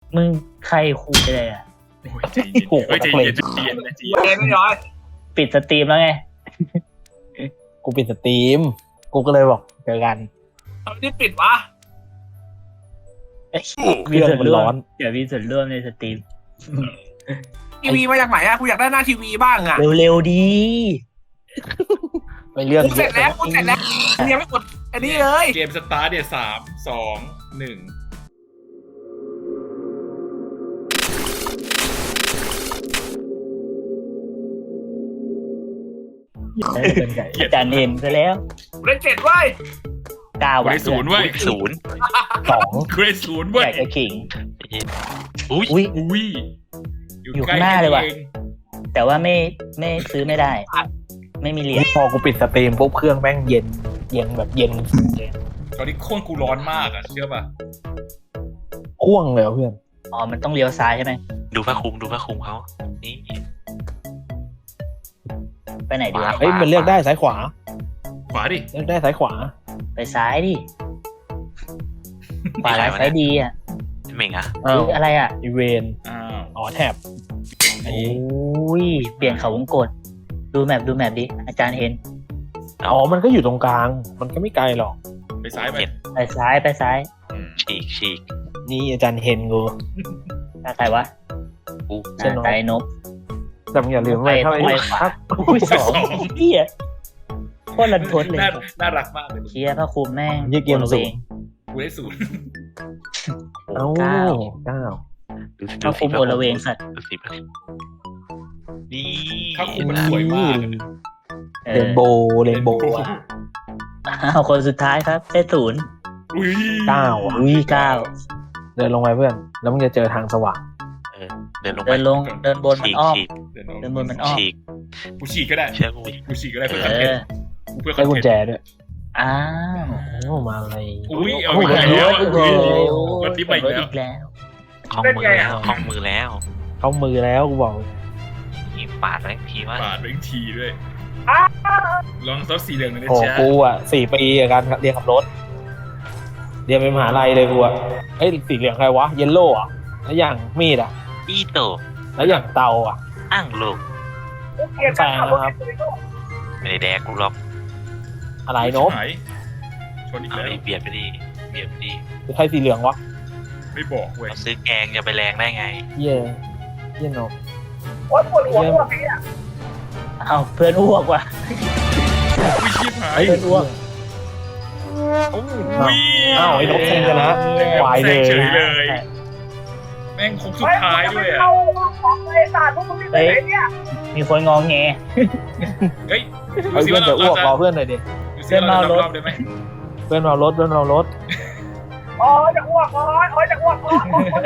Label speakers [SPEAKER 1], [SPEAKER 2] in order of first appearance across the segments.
[SPEAKER 1] มึงใครคุยเลยอ่ะ
[SPEAKER 2] โอ้ยใจเย็นเฮ้ยใจเย็นใจเย็นนะใจเย็น
[SPEAKER 3] เกมไม่ร้อย
[SPEAKER 1] ปิดสตรีมแล้วไง
[SPEAKER 4] กูปิดสตรีมกูก็เลยบอกเจอกัน
[SPEAKER 3] ทำไมที่ปิดวะ
[SPEAKER 4] เครื่องมันร้อน
[SPEAKER 1] เดี๋ยวมีส่วนร่วมในสตรีม
[SPEAKER 3] ทีวีมาจากไหนอะกูอยากได้หน้าทีวีบ้างอะ
[SPEAKER 1] เร็วๆดี
[SPEAKER 4] ไปเรื่อง
[SPEAKER 3] กูเสร็จแล้วกูเสร็จแล้วยังไม่กดอันนี้เลย
[SPEAKER 2] เกมสตาร์ทเนี่ย3 2 1
[SPEAKER 1] อาจารย์เห็นไปแล้ว
[SPEAKER 3] กูได้7เว้ย
[SPEAKER 1] ก้าว
[SPEAKER 2] กูได้0เว้ย
[SPEAKER 4] สอง
[SPEAKER 2] กูได้0เว้ย
[SPEAKER 1] แจกไอ้ขิง
[SPEAKER 5] อุ้ย
[SPEAKER 1] อุ้ย
[SPEAKER 2] อุ้ย
[SPEAKER 1] อยู่ข้างหน้าเลยว่ะ แต่ว่าไม่ซื้อไม่ได้ ไม่มีเหรียญ
[SPEAKER 4] พอกูปิดสตรีมปุ๊บเครื่องแม่งเย็นแบบเย็น
[SPEAKER 2] ตอนนี้โค่นกูร้อนมากอ่ะเชื่อป่ะ
[SPEAKER 4] พ่วงเลยเพื่อน
[SPEAKER 1] อ๋อมันต้องเลี้ยวซ้ายใช่ไหม
[SPEAKER 5] ดูผ้าคลุมเขานี่
[SPEAKER 1] ไปไหนดีวะ
[SPEAKER 4] เฮ้ยมันเลือกได้ซ้ายขวา
[SPEAKER 2] ขวาดิ
[SPEAKER 4] เลือกได้ซ้ายขวา
[SPEAKER 1] ไปซ้ายดิขวาร้ายซ้ายดีอ่ะ
[SPEAKER 5] เหม่งอะ
[SPEAKER 4] อ้าว
[SPEAKER 1] อะไรอ่ะ
[SPEAKER 4] อีเวน
[SPEAKER 2] อ้าว
[SPEAKER 4] อ๋อแถบ
[SPEAKER 1] โอ้ยเปลี่ยนเขาวงกดดูแมปดิอาจารย์เห็น
[SPEAKER 4] อ๋อมันก็อยู่ตรงกลางมันก็ไม่ไกลหรอก
[SPEAKER 2] ไปซ้ายไป
[SPEAKER 1] ไปซ้าย
[SPEAKER 5] ฉีก
[SPEAKER 4] นี่อาจารย์เห็นกู
[SPEAKER 1] ใครวะ
[SPEAKER 5] อู้
[SPEAKER 4] ใช่
[SPEAKER 1] อ่า
[SPEAKER 4] เนอะ
[SPEAKER 1] ไตนบ
[SPEAKER 4] แต่มึงอย่าลืมว่าถ้า
[SPEAKER 1] ไปขวา อุ้ยสองเฮียโคตรรันทดเลย
[SPEAKER 2] น่ารักมากเลย
[SPEAKER 1] เชียร์พระคุมแม่ง
[SPEAKER 4] ยี่เกม
[SPEAKER 1] โอละ
[SPEAKER 4] สู
[SPEAKER 1] เว
[SPEAKER 4] ง
[SPEAKER 1] ง
[SPEAKER 2] กูได้0
[SPEAKER 4] เอ้า
[SPEAKER 1] เก้า
[SPEAKER 4] เก้า
[SPEAKER 1] พระคุมโอละเวงสัตว์
[SPEAKER 5] ดูสินี่
[SPEAKER 2] ถ้าคุมมันสวยมากอะ
[SPEAKER 4] เรนโบว์อะ
[SPEAKER 1] อ้าวคนสุดท้ายครับได้0
[SPEAKER 2] อุ้ย
[SPEAKER 4] เก้าอะ
[SPEAKER 1] อุ้ย9
[SPEAKER 4] เดินลงไปเพื่อน แล้วมึงจะเจอทางสว่าง
[SPEAKER 5] เดินลง
[SPEAKER 1] เดินลงเดินบนมันอ้อม
[SPEAKER 2] เดี๋ยว
[SPEAKER 1] เดินบนมันอ้อม
[SPEAKER 5] ฉีก
[SPEAKER 2] กูฉีกก็ได้
[SPEAKER 5] เชื่อกู
[SPEAKER 2] กูฉีกก็ได้เพื่อค
[SPEAKER 1] เอ
[SPEAKER 2] อนเทน
[SPEAKER 1] อ
[SPEAKER 2] ต์เพื่อคอ
[SPEAKER 4] ได้
[SPEAKER 2] น
[SPEAKER 4] กุญ
[SPEAKER 2] เท
[SPEAKER 4] แจ
[SPEAKER 2] นต์
[SPEAKER 4] ด้วย
[SPEAKER 1] อ้าว
[SPEAKER 4] อ้าวมาอะไร
[SPEAKER 2] อุ้ยเอาอีกแล้ว
[SPEAKER 1] โอ้โห
[SPEAKER 2] รถที่ไปอีกแล้ว
[SPEAKER 1] แล้ว
[SPEAKER 5] คล้องมือแล้ว
[SPEAKER 4] เข้ามือแล้วกูบอก
[SPEAKER 5] นี่ปาดไว้ทีว่า
[SPEAKER 2] ปาดเป็นทีด้วย ลองซอสสีเหลืองหน่อยนะ
[SPEAKER 4] โอ้
[SPEAKER 2] จ๊ะ
[SPEAKER 4] กูอ่ะ4 ปีกับการเรียนขับรถ เรียนเป็นมหาลัยเลยกูอ่ะเอ้ยสีเหลืองใครวะ เยลโล่อ่ะ แล้วอย่างมีดอ่ะ
[SPEAKER 5] อีโต
[SPEAKER 4] แล้วอย่างเตาอ่ะ
[SPEAKER 5] อ้างลูก
[SPEAKER 4] แซงนะครับ
[SPEAKER 5] ไม่ได้แดกกูหรอก
[SPEAKER 4] อะไรโนบ
[SPEAKER 2] หายชนอีก
[SPEAKER 5] เอา
[SPEAKER 2] แล้ว
[SPEAKER 5] ดิเบียดไปดิเบียดไปดิ
[SPEAKER 4] ใครสีเหลืองวะ
[SPEAKER 2] ไม่บอกเว้ย
[SPEAKER 5] เราซื้อแกงจะไปแรงได้ไง
[SPEAKER 4] เย่เย่โนบ
[SPEAKER 3] โอ๊ยปวดหัวปวดพี่อะ
[SPEAKER 1] อ้าวเพื่อนอ้วกว่ะ
[SPEAKER 2] อุ้ยชิบหาย
[SPEAKER 4] เฮ้ย
[SPEAKER 1] เพื่อนอ้วก
[SPEAKER 2] อุ้ย
[SPEAKER 4] อ้าวไอ้นกแซงชนะวายเลย
[SPEAKER 2] แซงเฉยเลย แม่งคงสุดท้ายด้วยอ่ะ
[SPEAKER 3] เข้าของเลยศาสตร์พวกมึงที่ไหนเนี่ย
[SPEAKER 1] มีคนงองแง
[SPEAKER 2] เฮ้ย
[SPEAKER 4] เฮ้ยเพื่อนจะอ้วกรอเพื่อนหน่อยดิ
[SPEAKER 2] ดูซิว่าเรารอบได้ไหม
[SPEAKER 4] เพื่อนเรารถ
[SPEAKER 3] อ๋อจะอ้วกอ๋อจะอ้วกอ๋อ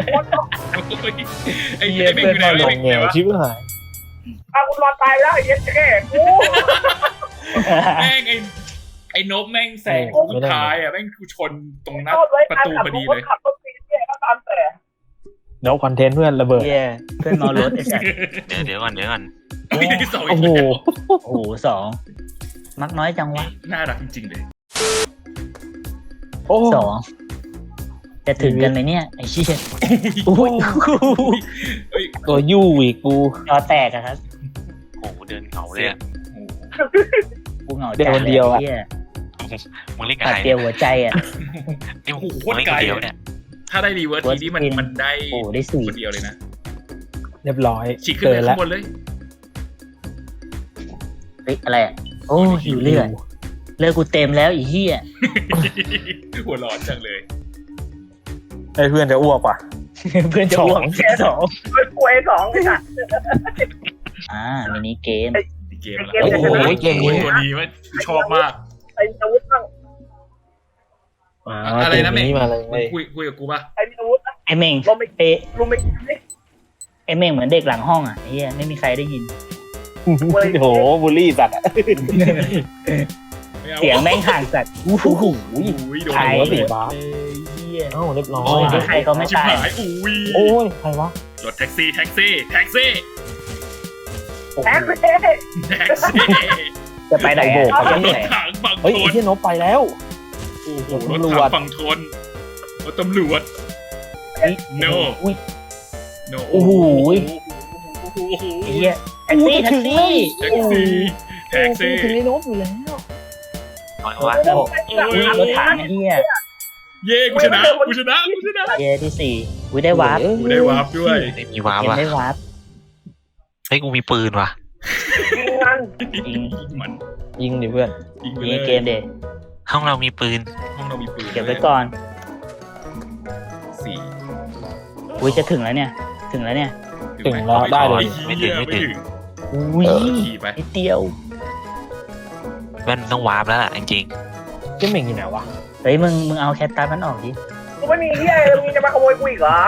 [SPEAKER 2] ไอ้เม่งอยู่ไหน
[SPEAKER 4] ล
[SPEAKER 2] วะ
[SPEAKER 4] งแงวชิบหาย
[SPEAKER 3] กูรอตายแล้วไอ้เหี้ยแก่กู
[SPEAKER 2] แม่งไอ้นบแม่งแซงสุดท้ายอ่ะแม่งกูชนตรงหน้าประตูพอดีเลย
[SPEAKER 3] ขับรถตีเนี่ยก็ตามแต่
[SPEAKER 4] เดี๋ยวคอนเทนต์เพื่อนระเบิด
[SPEAKER 1] เฮียเพื่อนเมารถไอ้สัส
[SPEAKER 5] เดี๋ยวก่อน
[SPEAKER 2] อุ้ยที่สอง
[SPEAKER 4] โอ้
[SPEAKER 2] อีก
[SPEAKER 4] โห
[SPEAKER 2] แล้ว
[SPEAKER 1] โอ้โห2มักน้อยจังวะ
[SPEAKER 2] น่ารักจริงๆเลย
[SPEAKER 4] โอ้
[SPEAKER 1] 2จะถึงกันไหมเนี่ยไอ้เชี่ย
[SPEAKER 4] อุ้ย
[SPEAKER 2] เฮ้ย
[SPEAKER 4] ตัวยู่อีกกู
[SPEAKER 1] จอแตกอะครับ
[SPEAKER 5] โอ้โหเดินเหงาเลยอะ
[SPEAKER 1] กูเหงา
[SPEAKER 4] เดี๋ยวคนเดียวอะ
[SPEAKER 1] หี้
[SPEAKER 5] มึงเล่นกับ
[SPEAKER 1] ขาด
[SPEAKER 5] ใคร
[SPEAKER 1] เดียวหัวใจอะ
[SPEAKER 5] นี่มึงเล่นกับเดียวเนี่ย
[SPEAKER 2] ถ้าได้รีเวิร์สทีนี้มันได้
[SPEAKER 1] โอ้ได้สี่
[SPEAKER 2] คนเดียวเลยนะ
[SPEAKER 4] เรียบร้อย
[SPEAKER 2] ฉีกขึ้นเลย
[SPEAKER 4] แล้
[SPEAKER 2] ข้าว งบนเลย
[SPEAKER 1] เฮ้ยอะไรอะโอ้หิวเลือดกูเต็มแล้วอีเหี้ย
[SPEAKER 2] หัวร้อนจังเลย
[SPEAKER 4] ไอ้เพื่อนจะอ้วกว่ะ
[SPEAKER 1] เพื่อนจะอ้วกแค่2
[SPEAKER 3] เฮ้ยกูไอ้สองเลยค่ะ
[SPEAKER 1] มินิเกม
[SPEAKER 2] เกมแล้ว
[SPEAKER 3] เกมจะชนะ
[SPEAKER 4] โอ้ยเกมนี้
[SPEAKER 2] ตัวนี้ว่าชอบมาก
[SPEAKER 3] ไอ้อาวุธบ้าง
[SPEAKER 2] อะไรนะแม่ง
[SPEAKER 4] เกมาเลย
[SPEAKER 2] คุยกับกูป่ะ
[SPEAKER 3] ไอ้มีอาวุธ
[SPEAKER 1] ไอเม่ง
[SPEAKER 3] ลมไม่
[SPEAKER 1] เอะ
[SPEAKER 3] ลมไม่ไม่
[SPEAKER 1] ไอเม่งเหมือนเด็กหลังห้องอะไอ้เหี้ยไม่มีใครได้ยิน
[SPEAKER 4] โอ้โหบูลลี่สัตว์อะ
[SPEAKER 1] เสียงแม่งห่างสัตว์โอ้โห
[SPEAKER 2] อุ้ยโดน
[SPEAKER 1] ใคร
[SPEAKER 4] หัวสี
[SPEAKER 1] หมด
[SPEAKER 4] ฟ้า
[SPEAKER 1] เลยเหี้ย
[SPEAKER 4] เอ้าเรียบร้อ
[SPEAKER 1] โอ้
[SPEAKER 4] ย
[SPEAKER 1] ยใครเขาไม่
[SPEAKER 2] ชิบ
[SPEAKER 1] ตาย
[SPEAKER 2] หายอุ้ย
[SPEAKER 4] โอ้ยใครวะ
[SPEAKER 2] รถแท็กซี่
[SPEAKER 3] แท็กซี่
[SPEAKER 2] แท็กซี่
[SPEAKER 1] จะไปไหน
[SPEAKER 4] โบ
[SPEAKER 1] อะ
[SPEAKER 4] ก
[SPEAKER 1] เขาจะ
[SPEAKER 2] ร
[SPEAKER 1] ไป
[SPEAKER 2] ถ
[SPEAKER 1] ไหน
[SPEAKER 2] ถังฝั่ง
[SPEAKER 4] เฮ้ย
[SPEAKER 2] ท
[SPEAKER 4] ไอ้
[SPEAKER 2] น
[SPEAKER 4] ที่นบไปแล้ว
[SPEAKER 2] โอ้โหรถถังฝั่งทนรถตำรวจ
[SPEAKER 3] ไ
[SPEAKER 2] no
[SPEAKER 1] อุ้ย
[SPEAKER 2] no
[SPEAKER 1] โอ้โหไอ้เหี้ยแท็กซี่
[SPEAKER 2] แท็กซี่แท็กซี่
[SPEAKER 4] ถึงไอ้นบอยู่แล้ว
[SPEAKER 5] น้อยวะ
[SPEAKER 1] แล้วอุ้ยรถถังไอ้เหี้ย
[SPEAKER 2] เย้กูชนะ
[SPEAKER 1] เย้ที่สี่อุ้ยได้วาร์ป
[SPEAKER 2] กูได้วาร์ปด้วย
[SPEAKER 5] ไม่มีวาร์ป
[SPEAKER 1] เกม
[SPEAKER 5] วะ
[SPEAKER 1] ได้วาร์ป
[SPEAKER 5] เฮ้ยกูมีปืนวะ
[SPEAKER 1] ยิง
[SPEAKER 2] มัน
[SPEAKER 4] ยิงดิเพื่อน
[SPEAKER 2] ยิงไป
[SPEAKER 1] ยิ
[SPEAKER 2] เล
[SPEAKER 1] ง
[SPEAKER 2] ย
[SPEAKER 1] เกมเด็ด
[SPEAKER 5] ห้องเรามีปืน
[SPEAKER 2] ห้องเรามีปืน
[SPEAKER 1] เก็บไว้ก่อน
[SPEAKER 2] 4
[SPEAKER 1] อุ้ยจะถึงแล้วเนี่ย ถึงแล้วเนี่ย
[SPEAKER 4] ถึงแล้วได้เลย
[SPEAKER 2] ไม่ถึง
[SPEAKER 1] อุ้ย
[SPEAKER 2] ขี่ไป
[SPEAKER 1] นิดเดียว
[SPEAKER 5] แว่นต้องวาร์ปแล้วล่ะจริง
[SPEAKER 4] เจ๊เหม่งอยู่ไหนวะ
[SPEAKER 1] เฮ้ยมึงเอาแคตตัสมันออกดิ
[SPEAKER 3] กูไม่มีเหี้ยอะไรมึงจะมาขโมยกูอีกเหรอ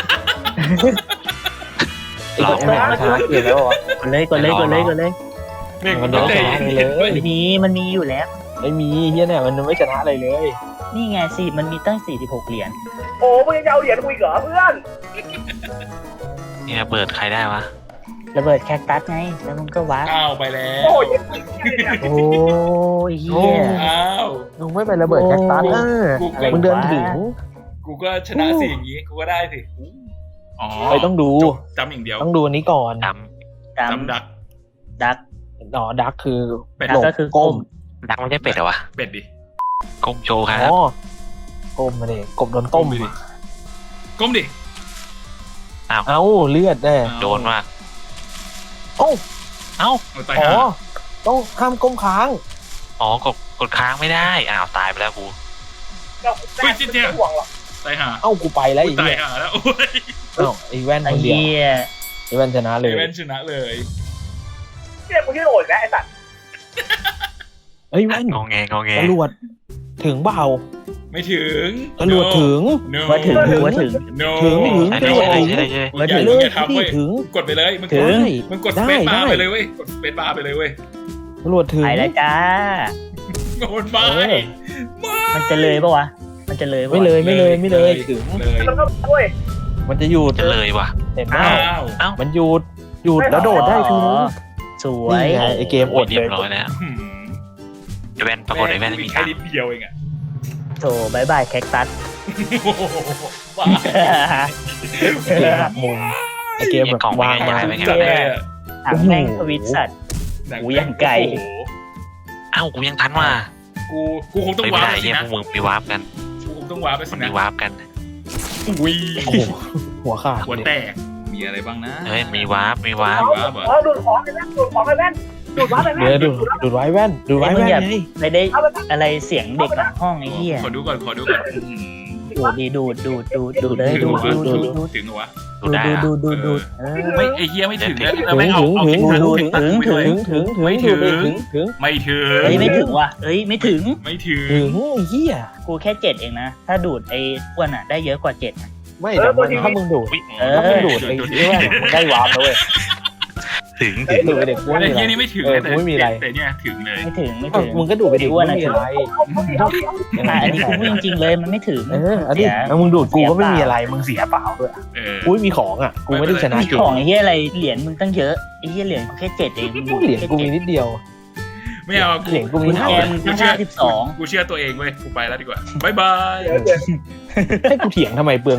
[SPEAKER 4] ไอ้กดเหม่งมันชนะเกมแล้ววะ
[SPEAKER 1] กดเลย
[SPEAKER 2] เม่ง
[SPEAKER 4] มั
[SPEAKER 2] มัน น
[SPEAKER 4] โด
[SPEAKER 2] ต้อน ง
[SPEAKER 4] ช
[SPEAKER 2] ได้
[SPEAKER 4] นะเลย
[SPEAKER 1] มันมีอยู่แล้ว
[SPEAKER 4] ไม่มีเฮียเนี่ยมันไม่ชนะอะไรเลย
[SPEAKER 1] นี่ไงสิมันมีตั้ง46เหรียญ
[SPEAKER 3] โอ้มึงจะเอาเหรียญกูอีกเหรอเพื่อน
[SPEAKER 5] ๆนี่ระเบิดใครได้วะ
[SPEAKER 1] ระเบิดแคคตัสไงแล้วมึงก็วาร์ป
[SPEAKER 2] อ้าวไปแล้ว
[SPEAKER 3] โอ้ย
[SPEAKER 1] โอ้ยเหี้ย
[SPEAKER 2] อ้าว
[SPEAKER 4] มึงไม่ไประเบิดแคคตัสนะ
[SPEAKER 2] กู
[SPEAKER 1] อะไร
[SPEAKER 4] มึงเดินถึง
[SPEAKER 2] กูก็ชนะสิอย่างงี้กูก็ได้สิอ๋อ
[SPEAKER 4] ไปต้องดู
[SPEAKER 2] จำอย่างเดียว
[SPEAKER 4] ต้องดูอันนี้ก่อน
[SPEAKER 5] ด
[SPEAKER 2] จำดัก
[SPEAKER 1] ดัก
[SPEAKER 4] อ๋อดักคือ
[SPEAKER 2] เป็ด
[SPEAKER 1] ดักก็คือก้ม
[SPEAKER 5] ำดักไม่ใช่เป็ดเหรอวะ
[SPEAKER 2] เป็ดดิ
[SPEAKER 5] ก้มโชว์ครับ
[SPEAKER 4] อ๋อก้มมาดิกบโดนต้ม
[SPEAKER 2] ไปดิก้มดิ
[SPEAKER 4] เอ้าเลือดแน่
[SPEAKER 5] โดนว่ะ
[SPEAKER 4] เอ้า
[SPEAKER 5] เอ้า
[SPEAKER 2] เอาตาย
[SPEAKER 4] อ๋อ
[SPEAKER 2] ห่า
[SPEAKER 4] ต้องห้ามก้มค้าง
[SPEAKER 5] อ๋อกดค้างไม่ได้อ้าวตายไปแล้วกู
[SPEAKER 2] เฮ้ยจิ๊ดเจ้า
[SPEAKER 3] ห่วงหรอก
[SPEAKER 2] ตายห่า
[SPEAKER 4] เอ้ากูไปแล้วอีก
[SPEAKER 2] ตาย
[SPEAKER 4] เนี่ย
[SPEAKER 2] ห่าแล้วโอ้ย
[SPEAKER 4] เอ้าไอ้แว่น
[SPEAKER 1] ไอ้
[SPEAKER 4] คนเดียว
[SPEAKER 1] เหี้ย
[SPEAKER 4] ไอ้แว่นชนะเล
[SPEAKER 2] เอย เวนชนะเลย
[SPEAKER 3] เนี่ยกูชื่อโอยแล้วไอ้สัตว์
[SPEAKER 4] เฮ้ยแว่น
[SPEAKER 5] งอแงงอแง
[SPEAKER 4] ตำรวจถึงเปล่า
[SPEAKER 2] ไม่ถึง
[SPEAKER 4] ตำรวจถึง
[SPEAKER 2] No
[SPEAKER 1] ว่าถึง
[SPEAKER 2] No
[SPEAKER 4] ถึง
[SPEAKER 5] ใช่ได้ใช่ได้ใช่ได้ใช่ได้
[SPEAKER 2] มึงอย่า
[SPEAKER 4] เล
[SPEAKER 2] มึง
[SPEAKER 4] ย
[SPEAKER 2] อย่าทำเว้ย
[SPEAKER 4] ถึง
[SPEAKER 2] กดไปเลยมึง
[SPEAKER 1] ถึ
[SPEAKER 2] กด
[SPEAKER 1] ง
[SPEAKER 2] มึงกด
[SPEAKER 4] ได้
[SPEAKER 2] สเปซบาร์
[SPEAKER 4] ได้
[SPEAKER 2] ไปเลยเว้ยกดสเปซบาร์ไปเลยเว้ย
[SPEAKER 4] ตำรวจถึง
[SPEAKER 1] ไปแล้วจ้า
[SPEAKER 2] โดนไป
[SPEAKER 4] เออ
[SPEAKER 1] มันจะเลยปะวะ มันจะเลยปะวะ
[SPEAKER 4] ไม่เลยไม่เลยไม่เลยถึง
[SPEAKER 2] เลย
[SPEAKER 3] มันก็ด้วย
[SPEAKER 4] มันจะหยุด
[SPEAKER 5] จะเลยว่ะ
[SPEAKER 4] เห็นไหม
[SPEAKER 2] อ้าว
[SPEAKER 4] มันหยุดแล้วโดดได้ถึง
[SPEAKER 1] อ๋อสวย
[SPEAKER 4] นี่ไงไอเกมอด
[SPEAKER 5] เรี
[SPEAKER 4] เลย
[SPEAKER 5] บร้อยแล้ว
[SPEAKER 2] หืม
[SPEAKER 5] ไอ้แว่นปรากฏไอ้แว่นไม่มี
[SPEAKER 2] แค่
[SPEAKER 5] ตัง
[SPEAKER 2] นิด
[SPEAKER 5] ค์
[SPEAKER 2] เดียวเองอะ
[SPEAKER 1] โถบายบายแคคตัส
[SPEAKER 2] โอ้โหบ้า
[SPEAKER 4] เกมหักมุมไอเกมแบบวางมา
[SPEAKER 5] ไม่ไง
[SPEAKER 2] จัดเลยอะ
[SPEAKER 1] ถามแม่งทวิตสัตว์ หูยังไกล
[SPEAKER 2] โอ้โห
[SPEAKER 5] เอ้ากูยังทันว่ะ
[SPEAKER 2] กูคงต้อง
[SPEAKER 5] ไม่
[SPEAKER 2] วาร์
[SPEAKER 5] ได้
[SPEAKER 2] ปสิ
[SPEAKER 5] เนี่ย
[SPEAKER 2] นะ
[SPEAKER 5] พวกมึงไปวาร์ปกัน
[SPEAKER 2] กูคงต้องวาร์ปไปสิ
[SPEAKER 5] มัน
[SPEAKER 2] นะ
[SPEAKER 5] มีวาร์ปกัน
[SPEAKER 2] อุ้ย
[SPEAKER 4] โอ้โหหัวขาด
[SPEAKER 2] หัวแตกมีอะไรบ้างนะ
[SPEAKER 5] เฮ้ยมีวาร์ปมีวาร์ป
[SPEAKER 2] วาร์ปเหรอ
[SPEAKER 3] อ๋อดูดของไอ้แว่นดูดของไอ้แว่นดูดของไอ้แว่น
[SPEAKER 4] เดี๋ยวดูดไว้แว่นดูไว้แว่นไง
[SPEAKER 1] ไม่ได้อะไรเสียงเด็กหลังห้องไอ้เหี้ย
[SPEAKER 2] ขอดูก่อนอื้อหือ
[SPEAKER 1] ดูดีดูเลย
[SPEAKER 2] ถึ
[SPEAKER 1] ดู
[SPEAKER 2] งเหรอ
[SPEAKER 1] ดู
[SPEAKER 2] ถึงเหรอวะ
[SPEAKER 5] ดูได้อะ
[SPEAKER 1] ดูเออ
[SPEAKER 2] ไม่ไอเฮียไม่ถึงนะ
[SPEAKER 4] ถึง
[SPEAKER 2] ไม่เอาเอา
[SPEAKER 4] ถึง
[SPEAKER 2] เอา
[SPEAKER 4] ถึง
[SPEAKER 2] เอา
[SPEAKER 4] ถึง
[SPEAKER 2] ไปด้วย
[SPEAKER 4] ถึง
[SPEAKER 2] ไม่ถึงไม่ถึง
[SPEAKER 1] เฮ้ยไม่ถึงว่ะเฮ้ยไม่ถึง
[SPEAKER 2] ไม่ถึง
[SPEAKER 4] ถึงเฮีย
[SPEAKER 1] กูแค่7เองนะ ถ้าดูดไอ้อ้วนอ่ะได้เยอะกว่า7นะ
[SPEAKER 4] ไม่แต่ถ้ามึงดูด
[SPEAKER 1] เออ
[SPEAKER 4] ถ้ามึงดูดไอ้แว่นมึงได้วาร์ปแล้วเว้ย
[SPEAKER 5] ถึง
[SPEAKER 4] ดูดไปเด็กกู
[SPEAKER 2] ไอ
[SPEAKER 4] ไม่มี
[SPEAKER 2] เฮีย
[SPEAKER 4] อะไร
[SPEAKER 2] นี่ไม่ถึง
[SPEAKER 4] เออ
[SPEAKER 2] แต่
[SPEAKER 4] กูไม่มีอะไร
[SPEAKER 2] แต่เนี่ยถึงเลย
[SPEAKER 1] ไม่ถึง
[SPEAKER 4] มึงก็ดูดไปเด็กกูไม่มีอะไร
[SPEAKER 3] เอาดิ
[SPEAKER 1] อันนี้กูพูดจริงๆเลยมันไม่ถึง
[SPEAKER 4] เอออันนี้แล้วมึงดูดกูก็ไม่มีอะไรมึงเสียเปล่าด้วย
[SPEAKER 2] เออ
[SPEAKER 4] กูไม่มีของอ่ะกูไม่ได้ชนะ
[SPEAKER 1] มี
[SPEAKER 4] เก
[SPEAKER 1] ขอ
[SPEAKER 4] ม
[SPEAKER 1] งไอ้เหี้ยอะไรเหรียญมึงตั้งเยอะไอ้เหี้ยเหรียญกูแค่7เองมึงดู
[SPEAKER 4] เหรียญกูมีนิดเดียว
[SPEAKER 2] ไม่เอา
[SPEAKER 4] เหรียญกูมี
[SPEAKER 1] แก
[SPEAKER 4] ห้า
[SPEAKER 1] มตั้ง52
[SPEAKER 2] กูเชื่อตัวเองเว้ยกูไปแล้วดีกว่าบายบาย
[SPEAKER 4] ให้กูเถียงทำไมเปลือง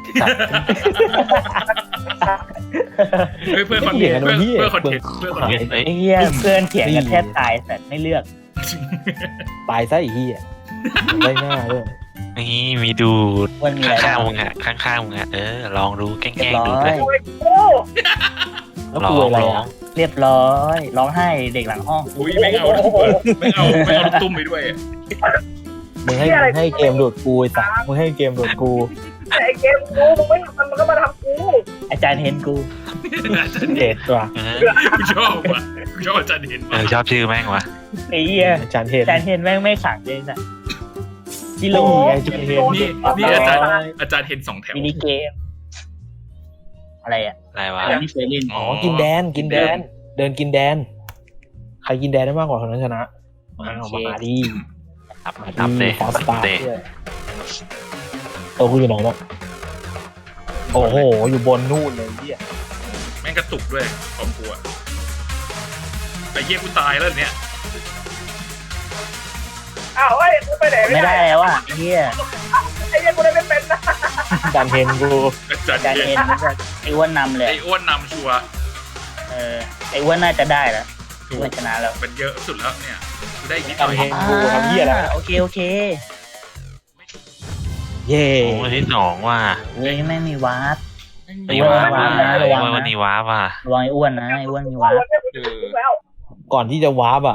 [SPEAKER 2] เพื่อนคอนเทนต์เพื่อนคอนเทนต์เพื่อนคอนเทนต์
[SPEAKER 5] เฮ้ย
[SPEAKER 1] ไอ้เหี้ยเพื่อนเถียงกันแทบตายแต่ไม่เลือก
[SPEAKER 4] ตายซะอีกทีอ่ะได้หน้าด้วย
[SPEAKER 5] นี่มีดูด
[SPEAKER 1] มันมีอะไร
[SPEAKER 5] ข้าง
[SPEAKER 1] บ้าง
[SPEAKER 5] ๆมึงอ่ะข้างๆมึงอ่ะลองดูแกล้
[SPEAKER 1] เรีย
[SPEAKER 5] ง
[SPEAKER 1] บ
[SPEAKER 5] ๆ
[SPEAKER 1] ร้
[SPEAKER 5] ดู
[SPEAKER 1] อ
[SPEAKER 5] เลย ย
[SPEAKER 3] โอ้
[SPEAKER 4] แล้ว
[SPEAKER 5] ลอ
[SPEAKER 4] กู
[SPEAKER 5] ง
[SPEAKER 4] อะไร
[SPEAKER 5] ลอ
[SPEAKER 4] อ่ะ
[SPEAKER 5] ง
[SPEAKER 1] เรียบร้อยร้องไห้เด็กหลังห้อง
[SPEAKER 2] อุ้ยไม่เอาลูกไม่เอาลูกตุ้มไปด้วย
[SPEAKER 4] มึงให้เกมดูดกูไอ้สัสมึงให้เกมดูดกู
[SPEAKER 3] ไอ้เกมกูมึงไม่ทำมันก็มาทำกู
[SPEAKER 1] อาจารย์เห็นกู
[SPEAKER 4] เด็ดว่ะ
[SPEAKER 2] กูชอบว่ะกูชอบอาจารย์เห็น
[SPEAKER 5] ชอบชื่อแม่งวะ
[SPEAKER 1] ไอ้เหี้ย
[SPEAKER 4] อาจารย์เทศ
[SPEAKER 1] อาจารย์เห็นแม่งไม่ขังเลยสัสที่ลง
[SPEAKER 4] อาจารย์เทศ
[SPEAKER 2] นี่อาจารย์เห็น2 แถว
[SPEAKER 1] มินิเกม อะไรอ่ะ
[SPEAKER 5] อะไรวะ
[SPEAKER 1] ไม่เคยเล่น
[SPEAKER 4] อ๋อกินแดนเดินกินแดนใครกินแดนได้มากกว่าคนนั้นชนะมาดี
[SPEAKER 5] ตับเตะ
[SPEAKER 4] ฟอสตาร์
[SPEAKER 5] เตะ
[SPEAKER 4] ตัวกูอยู่ไหนเนี่ยโอ้โหอยู่บนนู่นเลยเฮีย
[SPEAKER 2] แม่งกระตุกด้วยของกูอะไอ้เหี้ยกูตายแล้วเนี่ย
[SPEAKER 3] อ้าวเฮ้ยกูไปไหน
[SPEAKER 1] ไม่ได้แล้วอ่ะไอ้เหี้ย
[SPEAKER 3] ไอ้เหี้ยกูได้ไม่เป็นนะ
[SPEAKER 4] อาจารย์เทนกู
[SPEAKER 2] จัด
[SPEAKER 1] การ
[SPEAKER 2] เย็น
[SPEAKER 1] เอ็นไอ้อ้วนนำเลย
[SPEAKER 2] ไอ้อ้วนนำชัวร์
[SPEAKER 1] ไอ้อ้วนน่าจะได้แล้วอ้วนชนะแล้ว
[SPEAKER 2] มันเยอะสุดแล้วเนี่ยกูได้อีกนิดห
[SPEAKER 4] อา
[SPEAKER 2] น่
[SPEAKER 4] จาร
[SPEAKER 2] อย
[SPEAKER 4] ย์เทนกูทำเหี้ยแล้ว
[SPEAKER 1] โอเค
[SPEAKER 4] เย่
[SPEAKER 5] โอ้ยที่สองว่ะ
[SPEAKER 1] เฮ้ยไม่มีวาร์ป
[SPEAKER 5] ไอ้วาร์ป
[SPEAKER 1] ระวังนะ
[SPEAKER 5] วันนี้วาร์ปว่ะ
[SPEAKER 1] ระวังไอ้อ้วนนะไอ้อ้วนมีวาร์ป
[SPEAKER 2] เออ
[SPEAKER 4] ก่อนที่จะวาร์ปอ่ะ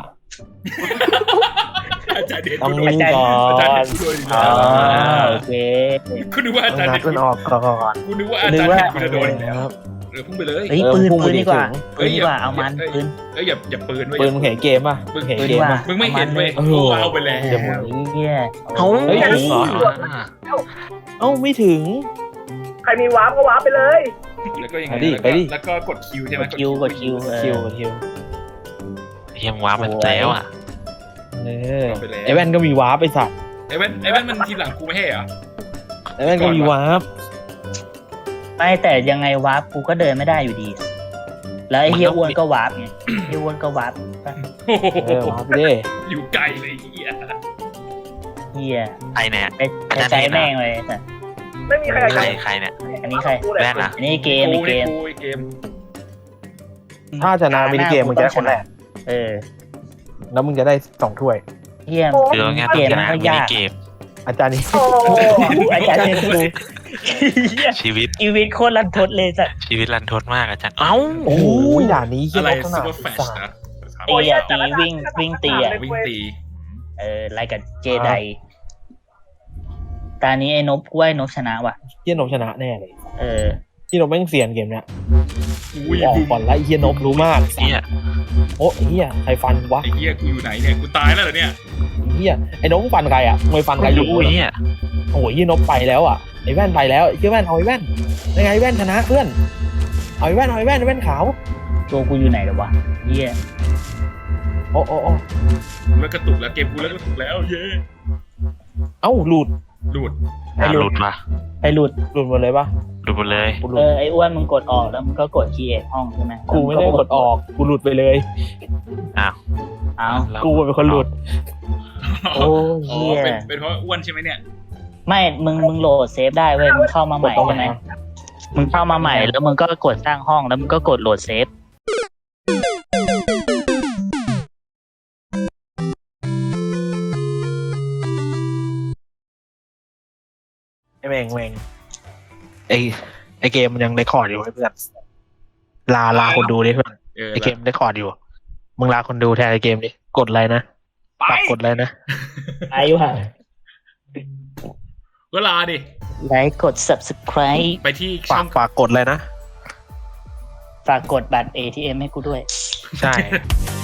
[SPEAKER 2] อาจารย์เด็ด
[SPEAKER 4] ต้อง
[SPEAKER 2] กูโด
[SPEAKER 4] นิ่
[SPEAKER 2] น
[SPEAKER 4] งก่อ
[SPEAKER 2] อาจารย์
[SPEAKER 4] น
[SPEAKER 2] เด็ดกูโดนอีก
[SPEAKER 1] อ๋
[SPEAKER 2] แล้
[SPEAKER 1] อ
[SPEAKER 2] ว
[SPEAKER 1] โอเค
[SPEAKER 2] กูนึกว่าอาจารย์
[SPEAKER 4] งั
[SPEAKER 2] เด็
[SPEAKER 4] ด
[SPEAKER 2] ด
[SPEAKER 4] มันออกก่อน
[SPEAKER 2] กูนึกว่าอาจารย์เด็ดกูจะโดนอีกแล้วพุ่งไปเลย
[SPEAKER 1] เฮ้ย
[SPEAKER 4] เออ
[SPEAKER 1] ปืน
[SPEAKER 4] พุ่งไป
[SPEAKER 1] ปืนดีกว่า
[SPEAKER 4] ถึง
[SPEAKER 1] ปืนดีกว่าเอามันปืน
[SPEAKER 2] เอ้ยอย่าปืนไว้
[SPEAKER 4] ปืนมึงเห็นเกมป่ะ
[SPEAKER 2] มึง
[SPEAKER 4] เห็น
[SPEAKER 1] ปืน
[SPEAKER 4] เก
[SPEAKER 1] ดี
[SPEAKER 4] ม
[SPEAKER 1] กว่า
[SPEAKER 4] ป่ะ
[SPEAKER 2] มึงไม่เห็นเว้ย
[SPEAKER 4] เออ
[SPEAKER 2] กูเอาไปแล้ว
[SPEAKER 4] เดี๋ยวมึง
[SPEAKER 1] เฮีย
[SPEAKER 5] เอ้า
[SPEAKER 4] เฮ้ย
[SPEAKER 5] ถึงเหรอ
[SPEAKER 4] เอ้าไม่ถึง
[SPEAKER 6] ใครมีวาร์ปก็วาร์ปไปเลย
[SPEAKER 2] แล้วก็ยังไง
[SPEAKER 4] ไปดิ
[SPEAKER 2] แล้วก็กดคิวใช่ไหม
[SPEAKER 1] กดคิว
[SPEAKER 4] คิวคิว
[SPEAKER 5] เฮียมวาร์ปมันแล้วอ่ะ
[SPEAKER 4] เออไอแว่นก็มีวาร์ปไปสัตว์
[SPEAKER 2] ไอ้แว่นมันทีหลังกูไม่ให้เหรอ
[SPEAKER 4] ไอแว่นก็มีวาร์ป
[SPEAKER 1] ไม่แต่ยังไงวาร์ปกูก็เดินไม่ได้อยู่ดี แล้วไอ้เฮียอ้วนก็วาร์ปไงไอ้อ้วนก็วาร์ป
[SPEAKER 2] โอ้โห
[SPEAKER 4] เออวาร์ปไปดิ
[SPEAKER 2] อยู่ไกลเลยไอ้เหี้ย
[SPEAKER 1] เฮีย
[SPEAKER 5] ใครเนี่ย
[SPEAKER 1] ไปใจแม่งเลยแต่
[SPEAKER 6] ไม่มีใครอยาก
[SPEAKER 5] ใคร
[SPEAKER 6] จะ
[SPEAKER 5] ใครเนี่ย
[SPEAKER 1] อันนี้ใคร
[SPEAKER 5] แว่นอ่ะ
[SPEAKER 1] อันนี้เกม
[SPEAKER 2] กู
[SPEAKER 1] เก
[SPEAKER 2] นี่
[SPEAKER 1] ม
[SPEAKER 2] กูไอ้เกม
[SPEAKER 4] ถ้าชนะมินิเกมมึงจะได้คนแรก
[SPEAKER 1] เออ
[SPEAKER 4] แล้วมึงจะได้2 ถ้วย
[SPEAKER 1] เฮีย
[SPEAKER 5] คือเอาง่ายๆ
[SPEAKER 1] เกม
[SPEAKER 5] ชนะ
[SPEAKER 1] มันก็
[SPEAKER 5] มินิ
[SPEAKER 1] ยาก
[SPEAKER 5] เกม
[SPEAKER 4] อาจารย์นี่
[SPEAKER 6] โอ้โห
[SPEAKER 1] อาจารย์เทนกูเฮีย
[SPEAKER 5] ชีวิต
[SPEAKER 1] ชีวิตโคตรรันทดเลยสัตว์
[SPEAKER 5] ชีวิตรันทดมากอาจารย์เอ้า
[SPEAKER 4] โอ้โหด่านนี้เหี้
[SPEAKER 2] อะ
[SPEAKER 4] ย
[SPEAKER 2] ไร
[SPEAKER 4] ลักษ
[SPEAKER 2] ซู
[SPEAKER 4] ณะ
[SPEAKER 2] เปอร์แฟชนะ
[SPEAKER 1] ตีอะตีวิ่งตีอะ
[SPEAKER 2] วิ่งตี
[SPEAKER 1] ไล่กับเจไดตานี้ไอ้นบกล้วยนบชนะว่ะ
[SPEAKER 4] เฮียนบชนะแน่เลย
[SPEAKER 1] เออ
[SPEAKER 4] ที่นบแม่งเซียนเกมเนี้ย
[SPEAKER 2] อุ้ย
[SPEAKER 4] ออก
[SPEAKER 2] บูม
[SPEAKER 4] ก่อนไล่เฮียนบรู้มาก
[SPEAKER 5] เฮีย
[SPEAKER 4] โอ้เฮียใครฟันวะ
[SPEAKER 2] ไอ้เหี้ยกูอยู่ไหนเนี่ยกูตายแล้วเหรอเนี่ย
[SPEAKER 4] เฮียไอ้นบฟันใครอ่ะมวยฟันใครอยู่
[SPEAKER 5] รู้เฮีย
[SPEAKER 4] โอ้ยเฮียนบไปแล้วอ่ะไอ้แว่นไปแล้วไอ้เฮียแว่นเอาไอ้แว่นยังไงแว่นชนะเพื่อนเอาไอ้แว่นขาว
[SPEAKER 1] ตัวกูอยู่ไหนหรอวะเฮีย
[SPEAKER 4] โอ้
[SPEAKER 2] กูเลิกกระตุกแล้วเกมกูเลิกกระตุกแล้วเย้
[SPEAKER 4] เอ้าหลุด
[SPEAKER 2] หลุด
[SPEAKER 5] หลุดว่ะ
[SPEAKER 1] ไอ้หลุด
[SPEAKER 4] หลุดหมดเลยปะ
[SPEAKER 5] หลุดหมดเลย
[SPEAKER 4] กูหลุ
[SPEAKER 1] เอ
[SPEAKER 4] ด
[SPEAKER 1] อไอ้อ้วนมึงกดออกแล้วมึงก็กดคีย์เอทห้องใช่ไหม
[SPEAKER 4] กูไม่ได้กดออกกูหลุดไปเลย
[SPEAKER 1] เอา
[SPEAKER 5] แล้ว
[SPEAKER 4] กูเป็นคนหลุด
[SPEAKER 1] โอ้
[SPEAKER 2] อ๋
[SPEAKER 1] เฮี
[SPEAKER 2] อย เป็นเพราะอ้วนใช่ไหมเนี่ย
[SPEAKER 1] ไม่มึงโหลดเซฟได้เว้ยมึงเข้ามาใหม่
[SPEAKER 4] กดตรง
[SPEAKER 1] ใช่ไหม
[SPEAKER 4] ไหนอะ
[SPEAKER 1] มึงเข้ามาใหม่แล้วมึงก็กดสร้างห้องแล้วมึงก็กดโหลดเซฟ
[SPEAKER 4] ไอ้แม่งไอ้เกมมันยังเรคคอร์ดอยู่ไอ้เพื่อนลาคนดูดิเพื่อน
[SPEAKER 2] เออ
[SPEAKER 4] ไอ้เกมเรคคอร์ดอยู่มึงลาคนดูแทนไอ้เกมดิกดอะไรนะ
[SPEAKER 2] ไป
[SPEAKER 4] ฝากกดอะไรนะ
[SPEAKER 1] อายุห่าง
[SPEAKER 2] ก็ลาดิ
[SPEAKER 1] ไลค์กด subscribe
[SPEAKER 2] ไปที่ช่อง
[SPEAKER 4] ฝากกดอะไรนะ
[SPEAKER 1] ฝากกดบัตร ATM ให้กูด้วย
[SPEAKER 4] ใช่